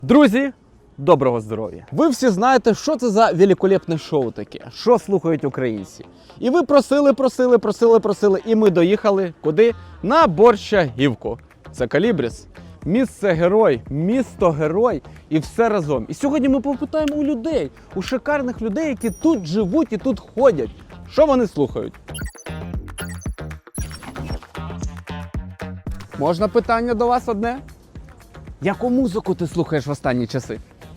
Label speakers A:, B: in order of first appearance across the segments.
A: Друзі, доброго здоров'я! Ви всі знаєте, що це за великолепне шоу таке, що слухають українці. І ви просили, і ми доїхали куди? На Борщагівку. Це Колібріс. Місце герой, місто герой і все разом. І сьогодні ми попитаємо у людей, у шикарних людей, які тут живуть і тут ходять. Що вони слухають? Можна питання до вас одне? Яку музику ти слухаєш в останні часи?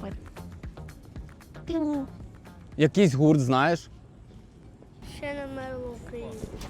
A: Якийсь гурт знаєш?
B: Ще не мерла Україна.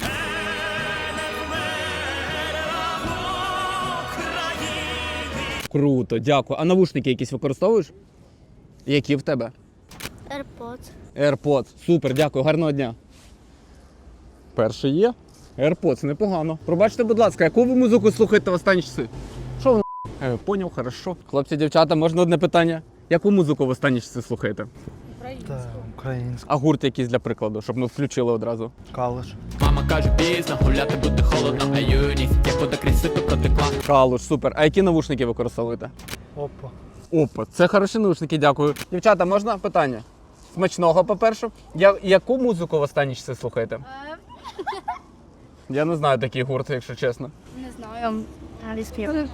A: Круто, дякую. А навушники якісь використовуєш? Які в тебе?
B: AirPods.
A: AirPods. Супер, дякую, гарного дня. Перший є. AirPods, непогано. Пробачте, будь ласка, яку ви музику слухаєте в останні часи? Що воно? Поняв, хорошо. Хлопці, дівчата, можна одне питання? Яку музику в останні часи слухаєте?
C: Так, українська.
A: А гурт якийсь для прикладу, щоб ми включили одразу.
C: Калуш.
D: Мама каже, пізно, гуляти буде холодно, а юність, як буде крізь сито протекла.
A: Калуш, супер. А які навушники використовуєте?
C: Опа.
A: Опа, це хороші навушники, дякую. Дівчата, можна питання? Смачного, по-перше. Яку музику в останні часи слухаєте? Я не знаю такі гурти, якщо чесно.
B: Не знаю. Англійський.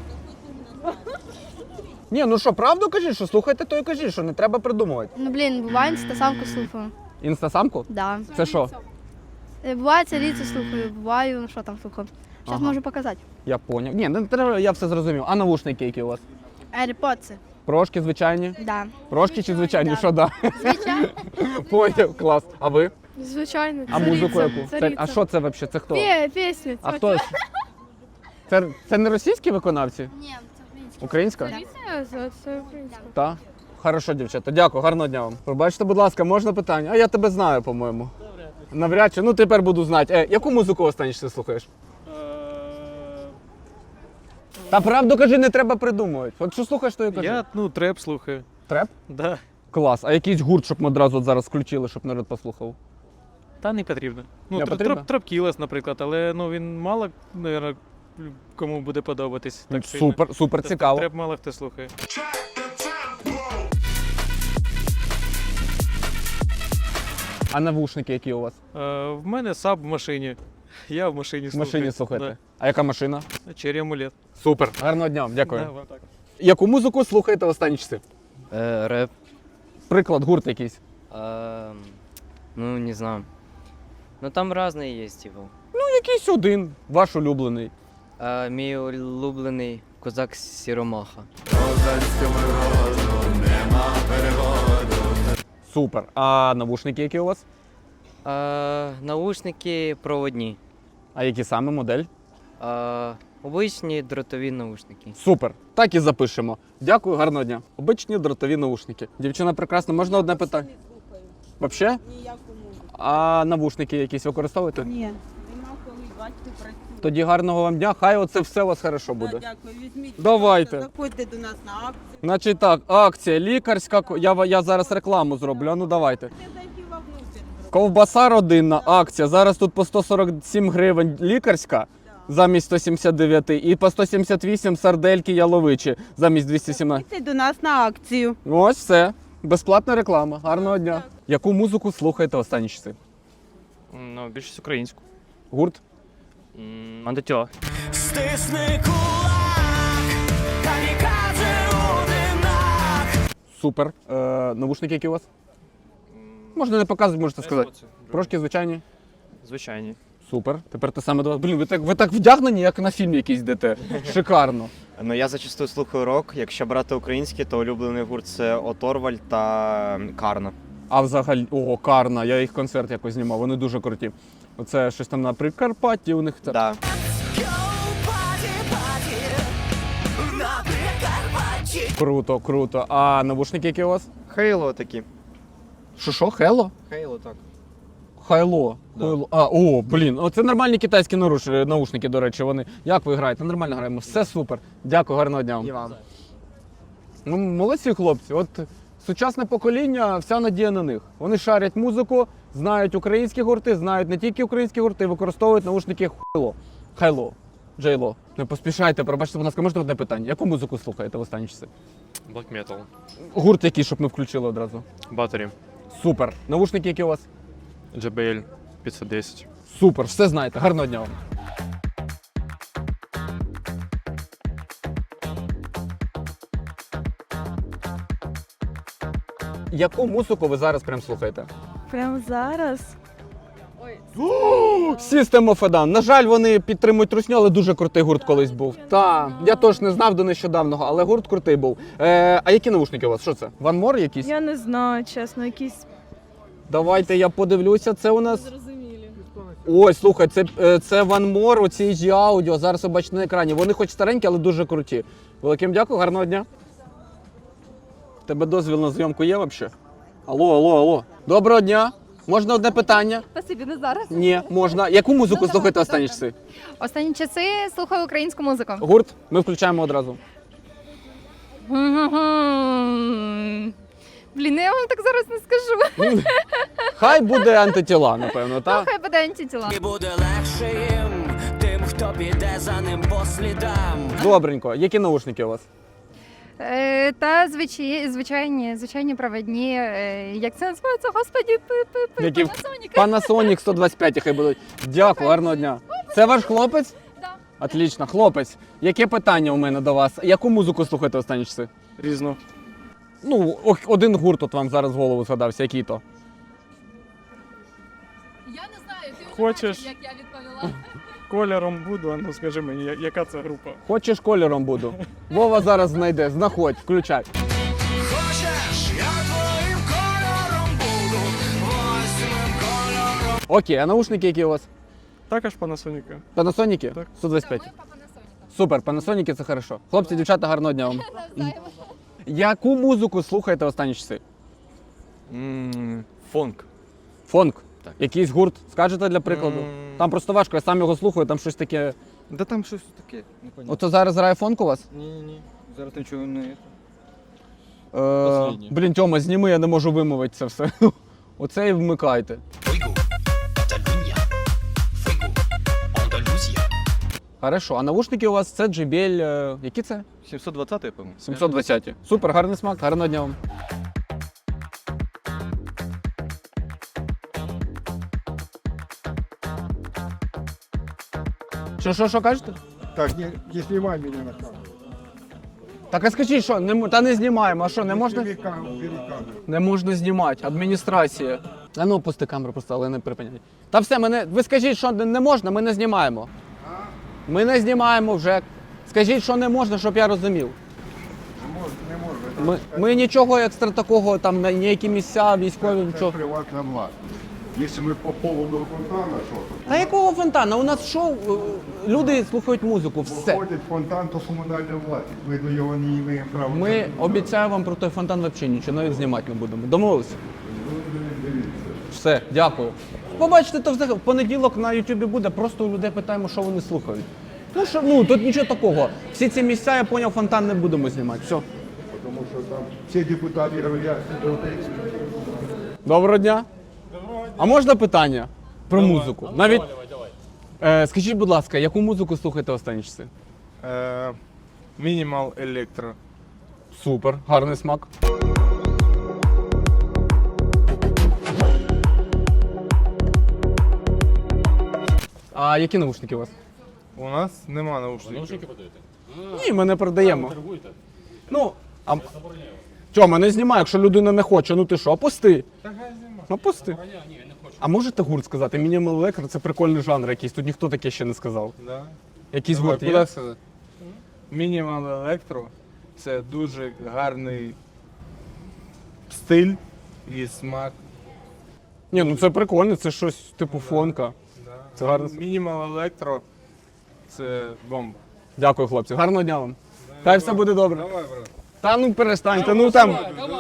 A: Ні, ну що, правду кажіть, що слухайте, то і кажіть, що не треба придумувати.
B: Ну, блін, буває інстасамку слухаю.
A: Інстасамку?
B: Да.
A: Це що?
B: Буває царіцю слухаю, буває, ну що там слухаю. Зараз
A: Ага.
B: можу показати.
A: Я поняв. Ні, не треба, я все зрозумів. А навушники які у вас?
B: AirPods.
A: Прошки звичайні?
B: Да.
A: Прошки чи звичайні?
B: Да.
A: Що да?
B: Звичайно.
A: Поняв, клас. А ви?
E: Звичайно.
A: А музику яку? А що це взагалі? Це хто?
E: Пісню.
A: А хто? Це не російські виконавці?
B: Ні, це український.
A: Українська?
E: Це українська.
A: Так. Хорошо, дівчата. Дякую, гарного дня вам. Пробачте, будь ласка, можна питання? А я тебе знаю, по-моєму. Навряд чи. Ну тепер буду знати. Яку музику останні часи слухаєш? Та правду кажи, не треба придумувати. От що слухаєш, то і кажи.
F: Я, треп слухаю.
A: Треп?
F: Да.
A: Клас. А якийсь гурт, щоб ми одразу от зараз включили, щоб народ послухав?
F: Та не потрібно.
A: Не потрібно?
F: Тропкілес, наприклад, але він мало, мабуть, кому буде подобатись. Так сильно.
A: Супер цікаво.
F: Треп мало хто слухає.
A: А навушники які у вас?
F: В мене саб в машині. Я в машині
A: В
F: слухаю.
A: машині слухаєте? А яка машина?
F: Да. Черry амулет.
A: Супер. Гарного дня вам, дякую.
F: Да, вот так.
A: Яку музику слухаєте в останні часи?
G: Рэп.
A: Приклад, гурт якийсь.
G: Ну, не знаю. Ну, там разные есть, типа.
A: Ну, якийсь один, ваш улюблений.
G: Мій улюблений козак Сіромаха.
A: Супер. А навушники які у вас?
G: Наушники проводні.
A: А які саме модель?
G: Обичні дротові наушники.
A: Супер. Так і запишемо. Дякую, гарного дня. Обичні дротові наушники. Дівчина прекрасна, можна одне питання? Взагалі?
H: Ніякому.
A: А навушники якісь використовуєте?
H: Ні. Нема коли бачити працює.
A: Тоді гарного вам дня, хай оце все у вас хорошо буде.
H: Дякую, візьміть.
A: Давайте.
H: Заходьте до нас на акцію.
A: Значить так, акція лікарська, я зараз рекламу зроблю, а ну давайте.
H: Ти зайти вовнутрь.
A: Ковбаса родинна, акція, зараз тут по 147 гривень лікарська замість 179 і по 178 сардельки яловичі замість 217.
H: Заходьте до нас на акцію.
A: Ось все, безплатна реклама, гарного дня. Яку музику слухаєте останні часи?
F: Ну, більшість українську.
A: Гурт?
F: Мандатьо.
D: Стисни кулак, камікадзе у димах.
A: Супер. Навушники які у вас? Можна не показувати, можете сказати. Трошки звичайні?
F: Звичайні.
A: Супер. Тепер те саме до вас. Блін, ви так вдягнені, як на фільм якийсь йдете. Шикарно.
I: Ну, я зачастую слухаю рок. Якщо брати український, то улюблений гурт це Оторваль та Карна.
A: А взагалі, Карна, я їх концерт якось знімав, вони дуже круті. Оце щось там на Прикарпатті у них це.
I: Да.
A: Круто. А навушники які у вас?
I: Хейло такі.
A: Що, Хело?
I: Хейло, так.
A: Хайло.
I: Да.
A: Хайло. Блін, оце нормальні китайські наушники, до речі, вони. Як ви граєте? Нормально граємо, все супер. Дякую, гарного дня вам.
I: І вам.
A: Ну, молодці хлопці, от сучасне покоління, вся надія на них. Вони шарять музику, знають українські гурти, знають не тільки українські гурти, використовують наушники Хайло. Джейло. Не поспішайте, пробачте, будь ласка, можете одне питання. Яку музику слухаєте в останні часи?
J: Black Metal.
A: Гурт який, щоб ми включили одразу.
J: Battery.
A: Супер. Навушники які у вас?
J: JBL 510.
A: Супер, все знаєте. Гарного дня вам. Яку музику ви зараз прям слухаєте?
E: Прямо зараз.
A: System of a Down. На жаль, вони підтримують русню, але дуже крутий гурт колись був. Так, я теж не знав до нещодавнього, але гурт крутий був. А які навушники у вас? Що це? One More якісь?
E: Я не знаю, чесно, якісь
A: Давайте я подивлюся. Це у нас.
E: зрозумілі.
A: Ой, слухай, це One More, оці G Audio. Зараз ви бачите на екрані. Вони хоч старенькі, але дуже круті. Великим дякую, гарного дня. У тебе дозвіл на зйомку є взагалі? Алло. Доброго дня. Можна одне питання?
K: Спасибі, не зараз.
A: Ні, можна. Яку музику слухаєте останні часи?
K: Останні часи слухаю українську музику.
A: Гурт? Ми включаємо одразу.
K: Блін, я вам так зараз не скажу.
A: Хай буде антитіла, напевно, так?
K: Хай буде антитіла.
D: Буде легше їм, тим, хто піде за ним по слідам.
A: Добренько. Які наушники у вас?
K: Та звичайні провідні, як це називається, господі,
A: Які?
K: Panasonic.
A: Panasonic 125 хай будуть. Дякую, гарного дня. Це ваш хлопець?
K: Да.
A: Отлично, хлопець. Яке питання у мене до вас? Яку музику слухаєте останні часи?
F: Різно.
A: Ну, один гурт от вам зараз в голову згадався, який то?
K: Я не знаю, ти
F: вже Хочеш? бачив,
K: як я відповіла.
F: Кольором буду, а ну скажи мені, яка це група?
A: Хочеш, кольором буду. Вова зараз знайде, знаходь, включай.
D: Хочеш, я твоїм кольором буду, восьмим кольором.
A: Окей, а наушники які у вас?
F: Також Panasonic.
A: Панасоніки?
F: Так.
A: 125. Супер, панасоніки це хорошо. Хлопці, дівчата, гарного дня вам. Яку музику слухаєте останні часи?
J: Фонк.
A: Фонк? Якийсь гурт, скажете для прикладу? Там просто важко, я сам його слухаю, там щось таке.
C: Да там щось таке, непонятно.
A: Ото зараз грає фонк у вас?
C: Ні. Зараз нічого не...
A: Блін, Тьома, зніми, я не можу вимовити це все. Оце і вмикайте. Хорошо, а навушники у вас це JBL, які це?
C: 720, я пам'ятаю.
A: 720. Супер, гарний смак, гарного дня вам. Що кажете?
L: Так, не снимай меня на камеру.
A: Так а скажіть, що, та не знімаємо, а що, не можна?
L: Бери камеру.
A: Не можна знімати, адміністрація. А ну, пусти камеру просто, але не припиняй. Та все, ви скажіть, що не можна, ми не знімаємо. Ми не знімаємо вже. Скажіть, що не можна, щоб я розумів.
L: Не можна.
A: Ми нічого екстра такого, там ніякі місця, військові, нічого.
L: Це приватна власність. Якщо ми по поводу фонтана, що тут?
A: Та якого фонтана? У нас шоу, люди слухають музику, все.
L: Виходить фонтан, то комунальна власність. Ми до його не маємо права.
A: Ми, обіцяю вам про той фонтан взагалі нічого, навіть знімати не будемо. Домовилися? Все, дякую. Побачите, то взагалі в понеділок на Ютубі буде, просто у людей питаємо, що вони слухають. Ну, тут нічого такого. Всі ці місця, я зрозумів, фонтан не будемо знімати. Все.
L: Тому що там всі депутати говорять, що
A: Доброго дня. А можна питання про музику? Навіть скажіть, будь ласка, яку музику слухаєте останні часи?
C: Мінімал електро.
A: Супер, гарний смак. А які наушники у вас?
C: У нас нема наушників.
A: Ні, ми не продаємо. Ну, Тьома, не знімай, якщо людина не хоче, ну ти що, опусти. Опусти. А можете гурт сказати? Мінімал електро це прикольний жанр якийсь, тут ніхто таке ще не сказав.
C: Да.
A: Якийсь
C: Давай,
A: гурт
C: куди
A: є?
C: сказати? Мінімал електро це дуже гарний стиль і смак.
A: Ні, ну це прикольно, це щось типу фонка. Це гарно.
C: Мінімал електро це бомба.
A: Дякую, хлопці. Гарного дня вам. Хай все буде добре.
C: Давай, брат.
A: Та ну перестаньте, ну там.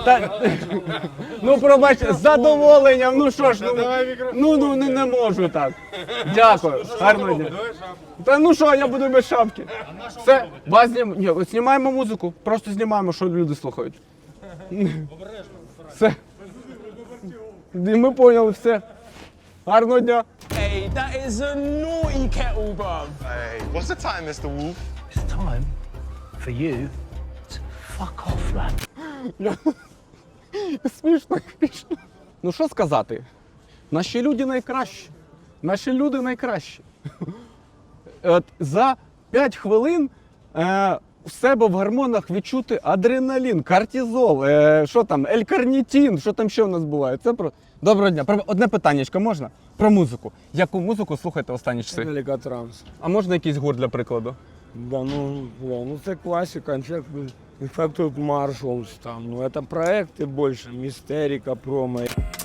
A: Ну пробач, з задоволенням, ну що ж, ну не можу так. Дякую. Гарного дня. Та ну що, я буду без шапки. Все, вас знімаємо музику, просто знімаємо, що люди слухають. Все. І ми поняли, все. Гарного дня.
D: Hey, that is a naughty kettle, bruv.
L: Hey, what's the time, Mr. Wolf?
D: It's time for you to fuck off, lad.
A: Смішно, смішно. Ну що сказати? Наші люди найкращі. Наші люди найкращі. От за 5 хвилин в себе в гормонах відчути адреналін, кортизол, що там, елькарнітин, що там ще у нас буває. Це про... Доброго дня. Одне питаннячко можна? Про музику. Яку музику слухаєте останні часи?
C: Великотранс.
A: А можна якийсь гурт для прикладу?
C: Да, ну це класика, Infected Marshals там, ну это проекти більше, Містерика, промо.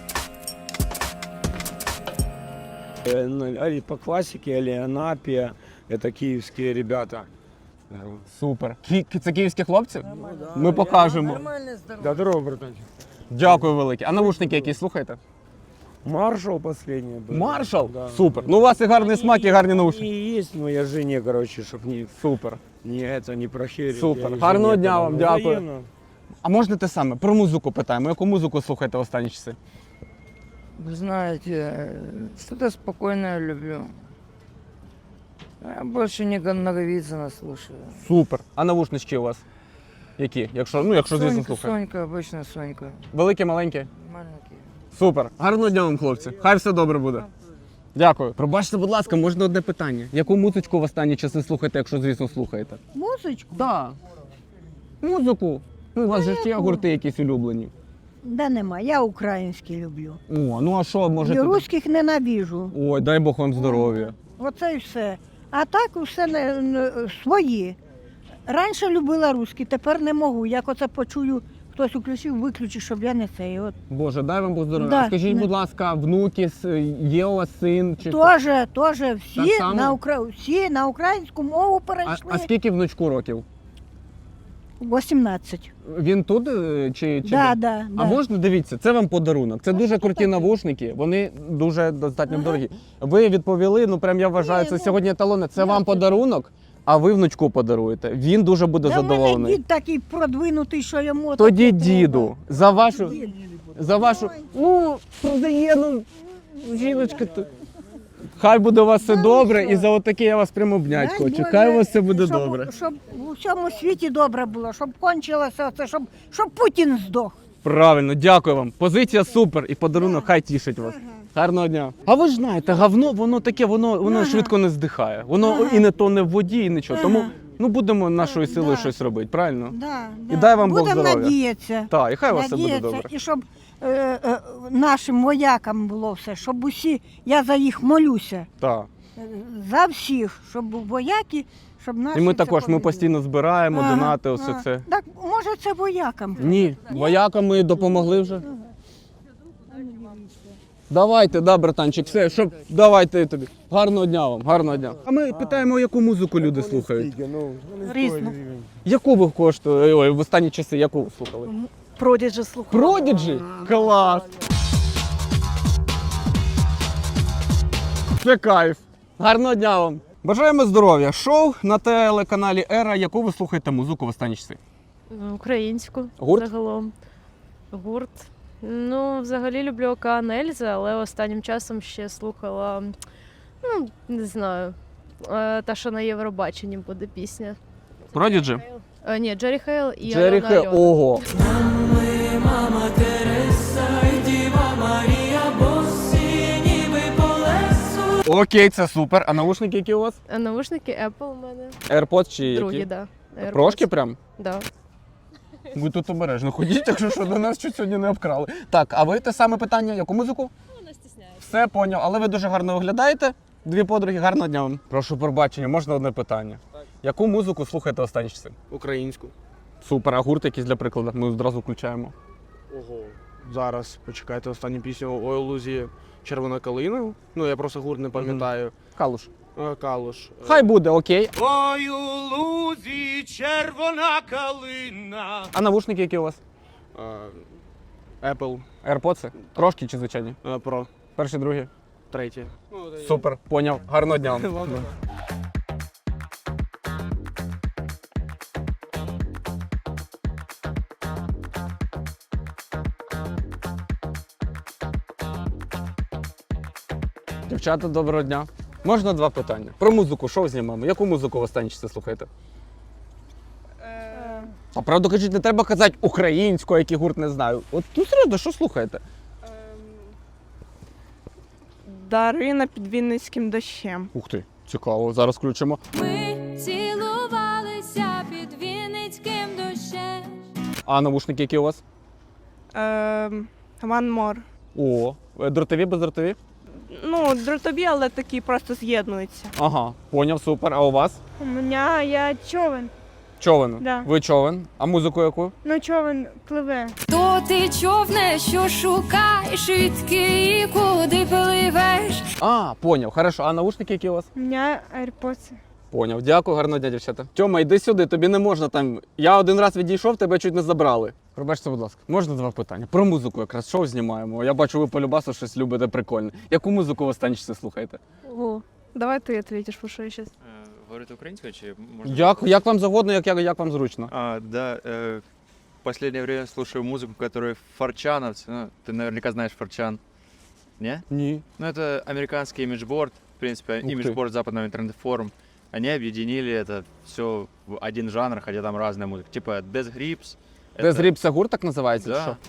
C: По классике Аліанапія, это київські ребята.
A: Супер. Це київські хлопці? Ми покажемо.
C: Да, здорово, братанчик.
A: Дякую велике. А навушники якісь слухаєте?
C: Маршал последний был.
A: Маршал?
C: Да.
A: Супер. Ну у вас і гарний смак, і гарні наушники.
C: И есть, но я жене, короче, чтоб не,
A: Супер.
C: не прохерить.
A: Супер.
C: Я
A: Гарного
C: жене
A: дня
C: подал.
A: вам, дякую.
C: Взаимно.
A: А можна те саме? Про музику питаємо. Яку музику слухаєте в останні часи?
G: Вы знаете, что-то спокойное люблю. Я больше не Наговицына слушаю.
A: Супер. А навушнички у вас? Які? Якщо звісно, слухаєте.
G: Сонька, обычно Сонька.
A: Великі, маленькі?
G: Маленький.
A: Супер. Гарного дня вам, хлопці. Хай все добре буде. Дякую. Пробачте, будь ласка, можна одне питання. Яку музичку в останні часи слухаєте, якщо, звісно, слухаєте?
H: Музичку?
A: Так. Музику. Ну, у вас же ж є гурти якісь улюблені.
H: Да нема, я українські люблю.
A: О, ну а що, може...
H: І руських ненавижу.
A: Ой, дай Бог вам здоров'я.
H: Оце і все. А так все свої. Раніше любила русські, тепер не можу. Як оце почую, хтось включив, виключив, щоб я не цей. От.
A: Боже, дай вам Бог здоров'я.
H: Да,
A: А скажіть,
H: не.
A: будь ласка, внуки, є у вас син? Чи...
H: Тоже
A: Так
H: всі
A: само?
H: всі на українську мову перейшли.
A: А скільки внучку років?
H: 18.
A: Він тут чи
H: Да,
A: де?
H: да,
A: А
H: да.
A: можна, дивіться, це вам подарунок. Це дуже круті навушники, вони дуже достатньо дорогі. Ви відповіли, ну прям я вважаю, це сьогодні еталони. Це вам подарунок, а ви внучку подаруєте. Він дуже буде
H: Да в мене
A: задоволений.
H: дід такий продвинутий, що йому
A: Тоді
H: таке
A: діду, за вашу, ну, продає, ну, жіночка тут. Хай буде у вас все добре, і за отаке я вас прямо обнять
H: Дай
A: хочу.
H: Боже,
A: Хай у вас все буде
H: щоб,
A: добре.
H: Щоб у всьому світі добре було, щоб кончилося це, щоб Путін здох.
A: Правильно, дякую вам. Позиція супер і подарунок хай тішить вас. Гарного дня. А ви ж знаєте, говно, воно таке, воно швидко не здихає. Воно і не тоне в воді, і нічого. Тому ну будемо нашою силою щось робити, правильно?
H: Да,
A: І дай вам Бог
H: Будемо
A: здоров'я.
H: надіятися.
A: Так, і хай у вас все буде
H: Надіятися,
A: добре.
H: і щоб нашим воякам було все, щоб усі, я за їх молюся,
A: Так.
H: за всіх, щоб вояки, щоб наші
A: І ми
H: все
A: також, ми
H: побили.
A: постійно збираємо,
H: Ага,
A: донати, усе
H: ага.
A: це.
H: Так, може це воякам?
A: Ні, воякам ми допомогли вже. Давайте, да, братанчик, все, щоб давайте тобі. Гарного дня вам, гарного дня. А ми питаємо, яку музику люди слухають.
H: Різну.
A: Яку ви коштує, ой, в останні часи, яку ви слухали?
E: Продіджі слухаю.
A: Продіджі? Клас! Це кайф. Гарного дня вам. Бажаємо здоров'я. Шоу на телеканалі Ера. Яку ви слухаєте музику в останні часи?
E: Українську.
A: Гурт?
E: Загалом. Гурт. Ну, взагалі люблю Океан Ельзи, але останнім часом ще слухала, ну, не знаю, та, що на Євробаченні буде пісня.
A: Продіджі?
E: Ні, Джері Хейл і
A: Джері
E: Альона
A: Хе.
E: Альона.
A: Ого. Окей, це супер. А наушники які у вас?
E: А навушники Apple у мене.
A: AirPods чи
E: Другі,
A: які?
E: да. AirPods.
A: Прошки прям?
E: Да.
A: Ви тут обережно ходіть, якщо що, до нас чуть сьогодні не обкрали. Так, а ви те саме питання, яку музику?
E: Ну, не стісняюся.
A: Все, поняв. Але ви дуже гарно виглядаєте. Дві подруги, гарного дня вам. Прошу пробачення, можна одне питання? Так. Яку музику слухаєте останні часи?
C: Українську.
A: Супер, а гурт якийсь для прикладу? Ми одразу включаємо.
C: Ого. Зараз почекайте останню пісню Ой, у лузі червона калина. Ну я просто гурт не пам'ятаю.
A: Калуш.
C: Калуш.
A: Хай буде, окей.
C: Ой, у лузі червона калина.
A: А навушники які у вас?
C: Apple
A: AirPods? Трошки чи звичайні?
C: Pro.
A: Перші, другі?
C: Третє.
A: Супер, поняв. Гарного дня вам. Дівчата, доброго дня. Можна два питання? Про музику, що знімаємо? Яку музику в останні часи слухаєте? А правду кажуть, не треба казати українською, який гурт не знаю. От ну серйозно, що слухаєте?
E: Дарина під Вінницьким дощем.
A: Ух ти, цікаво, зараз включимо.
K: Ми цілувалися під Вінницьким дощем.
A: А навушники які у вас?
E: One More.
A: О, дротові, бездротові?
E: Ну, дротові, але такі просто з'єднуються.
A: Ага, поняв, супер. А у вас?
E: У мене я човен.
A: Човен.
E: Да.
A: Ви човен. А музику яку?
E: Ну, човен пливе.
K: То ти човне, що шукаєш, відки і куди пливеш.
A: А, поняв. Хорошо. А навушники які у вас?
E: У мене AirPods.
A: Поняв. Дякую, гарного дня, дівчата. Тьома, йди сюди, тобі не можна там. Я один раз відійшов, тебе чуть не забрали. Пробачте, будь ласка. Можна два питання? Про музику якраз шоу знімаємо. Я бачу, ви по любасу щось любите прикольне. Яку музику в останні часи слухаєте?
E: Ого. Давай ти відповідиш, бо що я щас.
J: Говорити українською чи можна?
A: Як вам завгодно, як вам зручно.
J: Да, в последнее время слушаю музыку, которую форчановцы, ну, ты наверняка знаешь форчан, не?
A: Ні.
J: Ну, это американский имиджборд, в принципе,
A: Ух ты.
J: имиджборд западного интернет-форума. Они объединили это все в один жанр, хотя там разная музыка. Типа Death Grips.
A: Death Grips це гурт так називається? чи
J: Да.
A: що?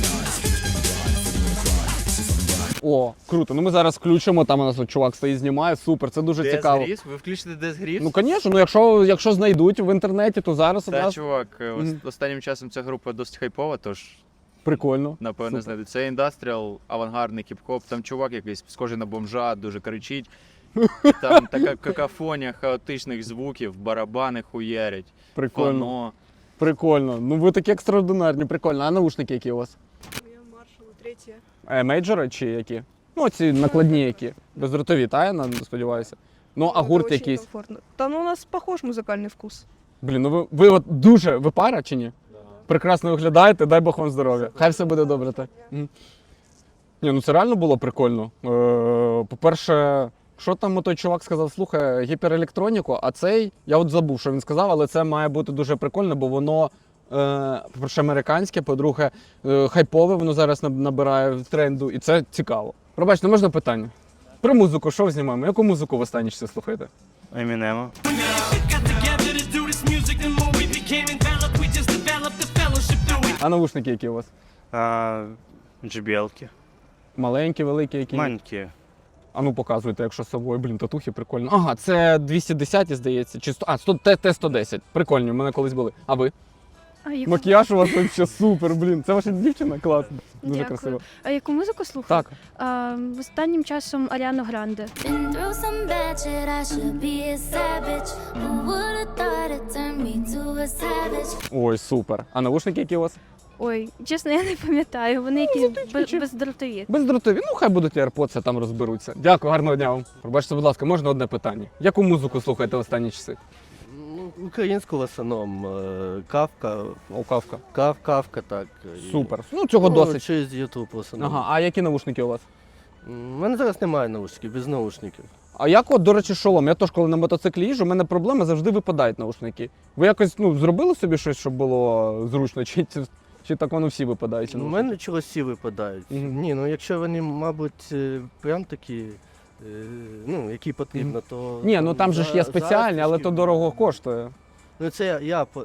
A: О, круто. Ну ми зараз включимо, там у нас от чувак стоїть, знімає. Супер, це дуже
J: Death
A: цікаво.
J: Grips? Ви включите Death Grips?
A: Ну, звісно, ну якщо знайдуть в інтернеті, то зараз
J: Та,
A: одразу.
J: чувак,
A: Мгм.
J: останнім часом ця група досить хайпова, тож
A: Прикольно.
J: напевно
A: Супер.
J: знайдуть. Це індастріал, авангардний хіп-хоп. Там чувак якийсь схожий на бомжа, дуже кричить. Там така какафонія хаотичних звуків, барабани хуярять,
A: Прикольно.
J: фано.
A: Прикольно. Ну ви такі екстраординарні, прикольно. А навушники які у вас?
E: Маршал третє.
A: Мейджори чи які? Ну, ці накладні які. Бездротові, та я сподіваюся. Ну, а гурт якийсь.
E: Та ну у нас похож музикальний вкус.
A: Блін, ну ви от дуже, ви пара чи ні? Прекрасно виглядаєте, дай Бог вам здоров'я. Хай все буде добре, так. Мгм. Ні, ну це реально було прикольно. По-перше, що там той чувак сказав, слухай, гіперелектроніку, а цей, я от забув, що він сказав, але це має бути дуже прикольно, бо воно, по-перше, американське, по-друге, хайпове, воно зараз набирає тренду, і це цікаво. Пробачте, можна питання? Про музику, що знімаємо? Яку музику в останні часи слухаєте?
D: Емінема.
A: А навушники які у вас?
D: JBL-ки.
A: Маленькі, великі, які?
D: Маленькі.
A: А ну показуйте, якщо з собою, блін, татухи прикольно. Ага, це 210, здається, чи 100, Т-110. Прикольні, в мене колись були. А ви?
B: А яку,
A: Макіяж у вас взагалі супер, блін. Це ваша дівчина? Класно. Дуже
B: Дякую.
A: красиво.
B: а яку музику слухаю?
A: Так.
B: Останнім часом Аріану Гранде.
A: Ой, супер. А навушники які у вас?
B: Ой, чесно, я не пам'ятаю. Вони якісь бездротові.
A: Бездротові. Ну, хай будуть AirPods, там розберуться. Дякую, гарного дня вам. Пробачте, будь ласка, можна одне питання? Яку музику слухаєте в останні часи?
M: Українську в основному. Кавка.
A: О, Кавка.
M: Кавка, так.
A: Супер. Ну, цього досить.
M: Через YouTube в основному.
A: Ага, а які навушники у вас?
M: У мене зараз немає наушників, без наушників.
A: А як от, до речі, шолом? Я теж, коли на мотоциклі їжджу, у мене проблема, завжди випадають наушники. Ви якось зробили собі щось, щоб було зручно, чи так воно всі випадають?
M: У мене чогось всі випадають. Ні, ну якщо вони, мабуть, прям такі, які потрібно, то...
A: Ні, ну там же ж є спеціальні, але то дорого коштує.
M: Ну це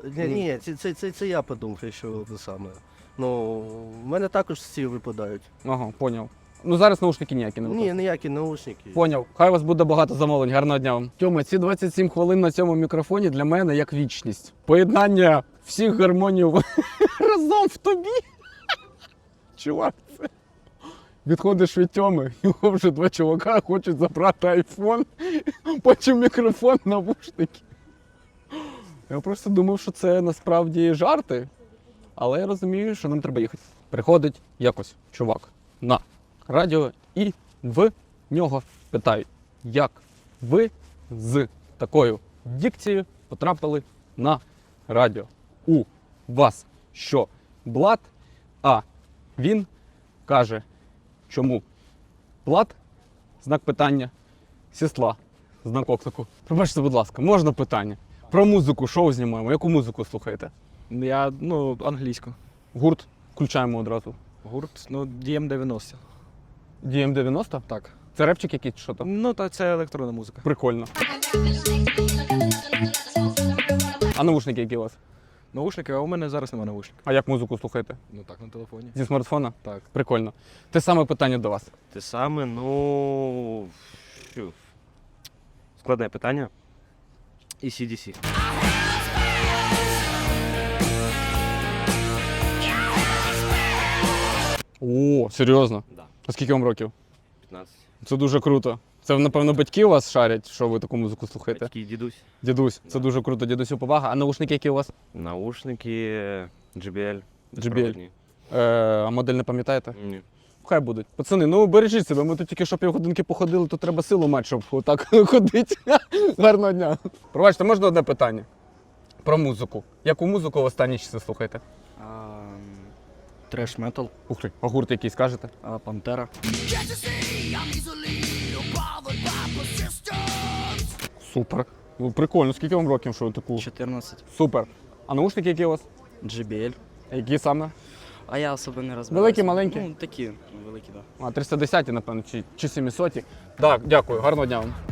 M: це я подумав, що це саме. Ну, в мене також всі випадають.
A: Ага, поняв. Ну зараз наушники ніякі не випадають.
M: Ні, ніякі наушники.
A: Поняв. Хай у вас буде багато замовлень. Гарного дня вам. Тьома, ці 27 хвилин на цьому мікрофоні для мене як вічність. Поєднання всіх гармоній разом в тобі. Чувак, це. Відходиш від Тьоми, його вже два чувака хочуть забрати айфон, потім мікрофон, навушники. Я просто думав, що це насправді жарти, але я розумію, що нам треба їхати. Приходить якось чувак на радіо і в нього питають, як ви з такою дикцією потрапили на радіо. У вас що, блат? А він каже, чому блат? Знак питання. Сісла. Знак оклику. Пробачте, будь ласка, можна питання? Про музику, шоу знімаємо. Яку музику слухаєте?
F: Я, англійську.
A: Гурт включаємо одразу.
F: Гурт, DM90.
A: DM90?
F: Так.
A: Це репчик якийсь, що там?
F: Ну, та це електронна музика.
A: Прикольно. А навушники які у вас?
F: Наушники, а у мене зараз немає наушників.
A: А як музику слухаєте?
F: Ну так, на телефоні.
A: Зі смартфона?
F: Так.
A: Прикольно. Те саме питання до вас.
M: Те саме, ну. Складне питання. І CDC.
A: О, серйозно?
M: Да.
A: А скільки вам років?
M: 15.
A: Це дуже круто. Це, напевно, батьки у вас шарять, що ви таку музику слухаєте?
M: Батьки, дідусь.
A: Дідусь, це дуже круто. Дідусю повага. А наушники які у вас?
M: Наушники JBL.
A: JBL. А модель не пам'ятаєте?
M: Ні.
A: Хай будуть. Пацани, ну бережіть себе. Ми тут тільки що півгодинки походили, то треба силу мати, щоб отак ходити. Гарного дня. Пробачте, можна одне питання? Про музику. Яку музику в останні часи слухаєте?
M: Треш метал.
A: Ух ти, а гурт який скажете?
M: Пантера.
A: Супер. Ну, прикольно. Скільки вам років, що ви таку?
G: 14.
A: Супер. А наушники які у вас?
G: JBL.
A: Які саме?
G: А я особо не розбираюся.
A: Великі, маленькі?
G: Ну, такі великі, так. Да.
A: А, 310, напевно, чи 700. Так, дякую. Гарного дня вам.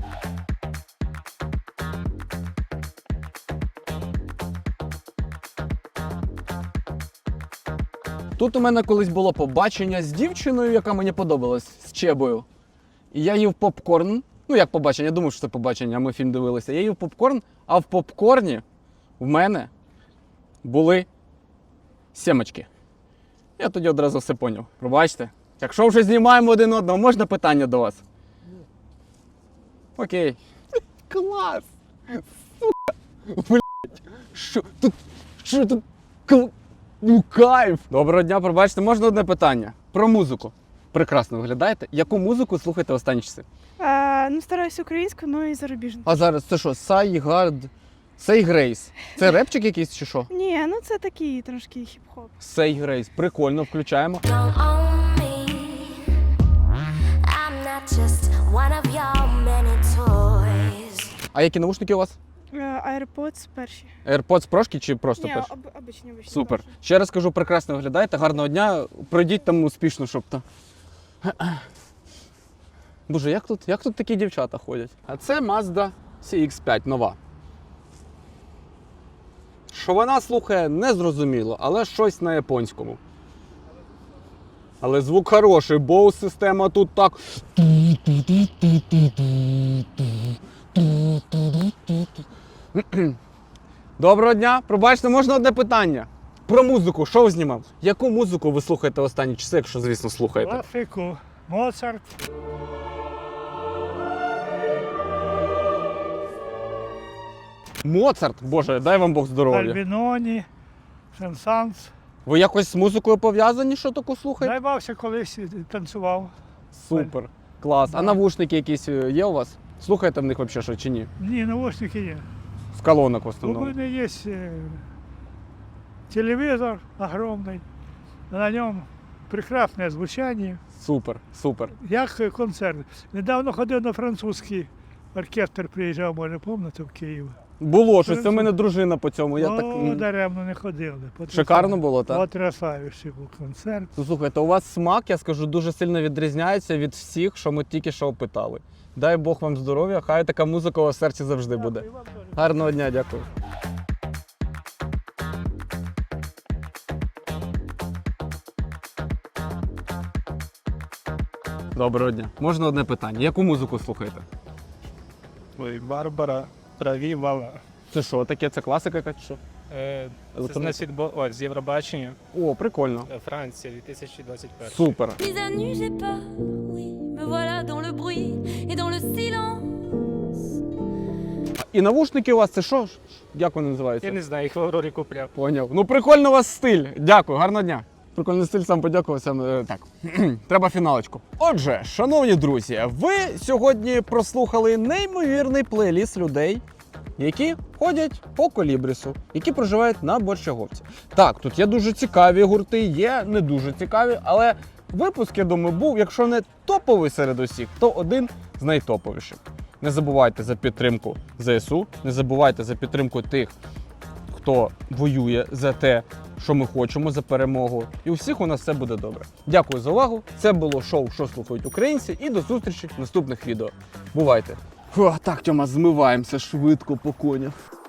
A: Тут у мене колись було побачення з дівчиною, яка мені подобалась, з Чебою. І я їв попкорн. Ну, як побачення, я думав, що це побачення, а ми фільм дивилися. Я їв попкорн, а в попкорні в мене були сімочки. Я тоді одразу все поняв. Пробачте. Якщо вже знімаємо один одного, можна питання до вас? Окей. Клас! Сука! Блять! Що тут? Ну, кайф! Доброго дня, пробачте, можна одне питання? Про музику. Прекрасно виглядаєте. Яку музику слухаєте останні часи?
B: Ну, стараюся українську, ну і зарубіжну.
A: А зараз це що? Сайгард? Сей Грейс. Це репчик якийсь чи що?
B: Ні, ну це такий трошки хіп-хоп.
A: Сей Грейс. Прикольно, включаємо. А які наушники у вас?
B: AirPods перші.
A: AirPods прошки чи просто
B: Ні,
A: перші?
B: обичні.
A: Супер. Ще раз кажу, прекрасно виглядаєте. Гарного дня. Пройдіть там успішно, щоб то. Боже, як тут такі дівчата ходять? А це Mazda CX-5 нова. Що вона слухає, не зрозуміло, але щось на японському. Але звук хороший, Bose система тут так. Доброго дня. Пробачте, можна одне питання? Про музику, що ви знімав? Яку музику ви слухаєте в останні часи, якщо, звісно, слухаєте?
C: Класику. Моцарт.
A: Моцарт, боже, дай вам Бог здоров'я.
C: Альбіноні, Сен-Санс.
A: Ви якось з музикою пов'язані, що таку слухаєте?
C: Найбався колись танцював.
A: Супер, клас. А навушники якісь є у вас? Слухаєте в них взагалі що чи ні?
C: Ні, наушники є.
A: З колонок в
C: У
A: основному.
C: мене є телевізор огромний, на ньому прекрасне звучання,
A: Супер, супер.
C: як концерт. Недавно ходив на французький оркестр, приїжджав, може, пам'ятаєте, в Київ.
A: Було щось, це в мене дружина по цьому. Я так...
C: Даремно не ходили.
A: Шикарно було, так?
C: Потрясаючий був концерт.
A: Ну, слухайте, у вас смак, я скажу, дуже сильно відрізняється від всіх, що ми тільки що опитали. Дай Бог вам здоров'я, хай така музика у вас в серці завжди буде. Гарного дня, дякую. Доброго дня. Можна одне питання? Яку музику слухаєте?
C: Ой, Барбара, Правівала.
A: Це що таке? Це класика якась? Що?
F: Це значить, з Євробачення.
A: О, прикольно.
F: Франція, 2021.
A: Супер.
K: Mise à nu, j'ai peur, oui, me voilà dans le bruit et dans le silence.
A: І навушники у вас це що? Як вони називаються?
F: Я не знаю, їх в Аврорі купляв.
A: Поняв. Ну прикольно у вас стиль. Дякую, гарного дня. Прикольний стиль, сам подякував. Сам, так, треба фіналочку. Отже, шановні друзі, ви сьогодні прослухали неймовірний плейліст людей, які ходять по Колібрісу, які проживають на Борщаговці. Так, тут є дуже цікаві гурти, є не дуже цікаві, але випуск, я думаю, був, якщо не топовий серед усіх, то один з найтоповіших. Не забувайте за підтримку ЗСУ, не забувайте за підтримку тих, хто воює за те, що ми хочемо, за перемогу. І у всіх у нас все буде добре. Дякую за увагу. Це було шоу «Що слухають українці» і до зустрічі в наступних відео. Бувайте! Фу, так, Тьома, змиваємося швидко по конях.